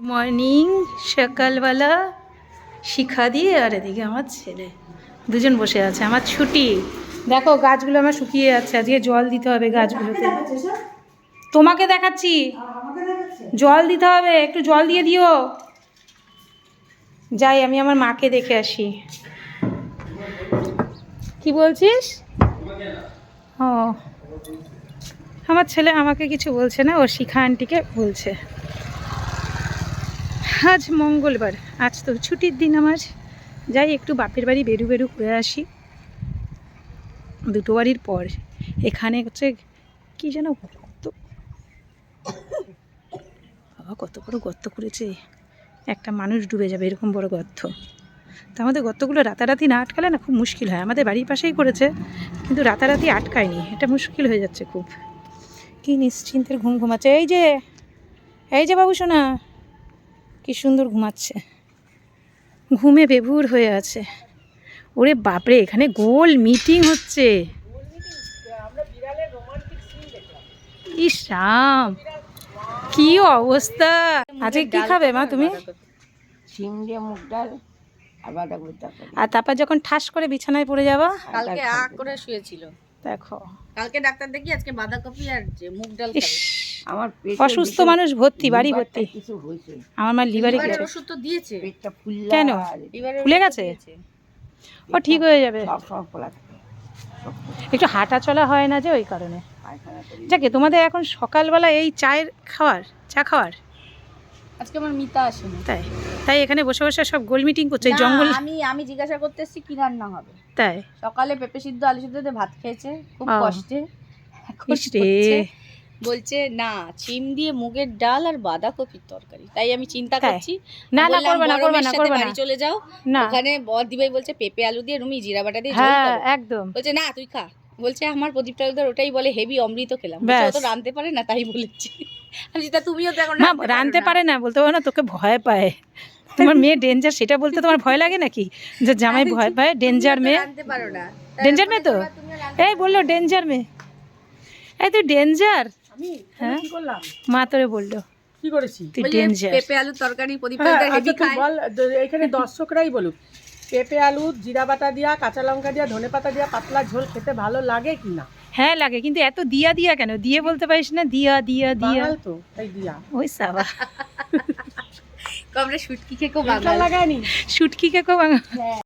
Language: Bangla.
মর্নিং সকালবেলা শিখা দিয়ে আর এদিকে আমার ছেলে দুজন বসে আছে। আমার ছুটি। দেখো গাছগুলো আমার শুকিয়ে যাচ্ছে, আজকে জল দিতে হবে গাছগুলোতে। তোমাকে দেখাচ্ছি, জল দিতে হবে, একটু জল দিয়ে দিও। যাই আমি আমার মাকে দেখে আসি। কি বলছিস? ও, আমার ছেলে আমাকে কিছু বলছে না, ও শিখা আন্টিকে বলছে। আজ মঙ্গলবার, আজ তো ছুটির দিন আমার। যাই একটু বাপের বাড়ি বেরু করে আসি, দুটো বাড়ির পর। এখানে হচ্ছে কি যেন গর্ত, বাবা কত বড় গর্ত করেছে, একটা মানুষ ডুবে যাবে এরকম বড় গর্ত। তা আমাদের গর্তগুলো রাতারাতি না আটকালে না খুব মুশকিল হয়। আমাদের বাড়ির পাশেই করেছে, কিন্তু রাতারাতি আটকায়নি, এটা মুশকিল হয়ে যাচ্ছে খুব। কি নিশ্চিন্তের ঘুম ঘুমাচ্ছে। এই যে বাবু সোনা, কি সুন্দর ঘুমাচ্ছে, ঘুমে বেভুর হয়ে আছে। ওরে বাপরে, এখানে গোল মিটিং হচ্ছে। ইস রাম, কি অবস্থা। আজকে কি খাবে মা তুমি? শিম দিয়ে মুগ ডাল আর বাঁধাকপি তরকারি। আর তারপর যখন ঠাস করে বিছানায় পড়ে যাবা। কালকে করে শুয়েছিল, দেখো কালকে ডাক্তার দেখি আজকে বাঁধাকপি আর যে মুগ ডাল ইস, খাবে। আমার অসুস্থ মানুষ ভর্তি, বাড়ি ভর্তি। কিছু হয়েছে, আমার মা লিভারে লিভারের গেছে। ওষুধ তো দিয়েছে, পেটটা ফুললা কেন? লিভারের ফুলে ওষুধ গেছে? দিয়েছে। ও ঠিক হয়ে যাবে, সব সব ফোলা থাকে, একটু হাঁটা চলা হয় না যে, ওই কারণে। পায়খানা করি। যাকে তোমাদের এখন সকালবেলা এই চায়ের খাওয়ার, চা খাওয়ার। আজকে আমার মিতা আসেনি, তাই তাই এখানে বসে বসে সব গোল মিটিং করছে এই না, জঙ্গল। আমি জিজ্ঞাসা করতে এসেছি কি রান্না হবে। তাই সকালে পেঁপে সিদ্ধ আলু সিদ্ধ দিয়ে ভাত খেয়েছে খুব ও। কষ্টে। এখন ইস রে। বলছে না চিম দিয়ে মুগের ডাল আর বাঁধাকপির তরকারি। তাই আমি চিন্তা তাই? করছি, না না, বললাম, করবে না, করবে গরমের না, সাথে করবে না। বাড়ি চলে যাও, না, ওখানে বর দিবাই বলছে পেঁপে আলু দিয়ে রুমি জিরা বাটা দিয়ে ঝোল হ্যাঁ করো। একদম। বলছে না তুই খা। বলছে আমার প্রদীপ তালুকদার ওটাই বলে হেভি অমৃত খেলাম। বলছে, ও ব্যাস। তো রাঁধতে পারে না তাই বলেছি। আমি বলছি, তা তুমিও তো এখন মা রাঁধতে পারে না বলতে পারো না, তোকে ভয় পায়। তোমার মেয়ে ডেঞ্জার, সেটা বলতে তোমার ভয় লাগে নাকি? যে জামাই ভয় পায়, ডেঞ্জার মেয়ে। রাঁধতে পারো না। ডেঞ্জার মেয়ে তো, এই বললো ডেঞ্জার মেয়ে। এই তুই ডেঞ্জার। আমি হ্যাঁ কি করলাম? মা তোরে বললো কি করেছি? তুই বলছে, ডেঞ্জার। পেঁপে আলুর তরকারি প্রদীপ হ্যাঁ, তালুকদার হেভি আচ্ছা তুই খায়। বল, এখানে দর্শকরাই বলুক, পেঁপে আলু জিরা বাটা দিয়া কাঁচা লঙ্কা দিয়া ধনে পাতা দিয়া পাতলা ঝোল খেতে ভালো লাগে কি না? হ্যাঁ লাগে, কিন্তু এত দিয়া দিয়া কেন? দিয়ে বলতে পারিস না, দিয়া দিয়া দিয়া। বাঙাল তো তাই দিয়া। ওই সাবা, আমরা শুটকি খেয়ে খুব এটা লাগায়নি। শুটকি কে কো